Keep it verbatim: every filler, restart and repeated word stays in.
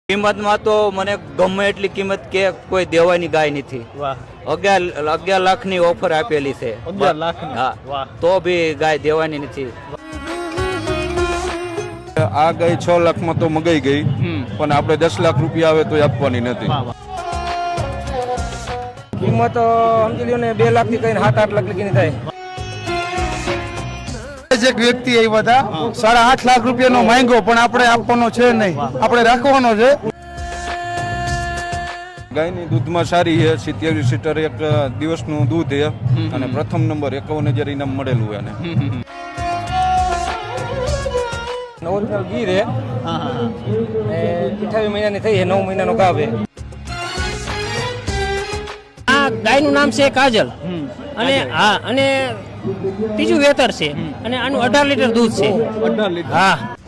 કિંમતમાં તો મને ગમે એટલી કિંમત કે કોઈ દેવાની ગાય નથી. વાહ, અગિયાર અગિયાર લાખ ની ઓફર આપેલી છે. અગિયાર લાખની? હા, વાહ. તો બી ગાય દેવાની નથી. આ ગાય છ લાખમાં તો મગાઈ ગઈ, પણ આપણે દસ લાખ રૂપિયા આવે તો આપવાની નથી. વાહ, વાહ. કિંમત સમજી લ્યો ને બે લાખ થી કઈ સાત આઠ લાખ લગીની થાય. એક વ્યક્તિ આવ્યા હતા, સાડા આઠ લાખ રૂપિયાનો માંગ્યો, પણ આપણે આપવાનો છે નહીં, આપણે રાખવાનો છે. ગાયની દૂધમાં સારી છે, સિત્યાવીસ લીટર એક દિવસનું દૂધ છે, અને પ્રથમ નંબર એકાવન હજાર ઇનામ મળેલું એને. ઓરિજિનલ ગીર હે, હા, હા, હા. અઠાવીસ મહિનાની થઈ છે, નવ મહિનાનો ગાભ હે. આ ગાયનું નામ છે કાજલ અને હા અને ત્રીજું વેતર છે અને આનું અઢાર લીટર દૂધ છે. અઢાર લીટર. હા,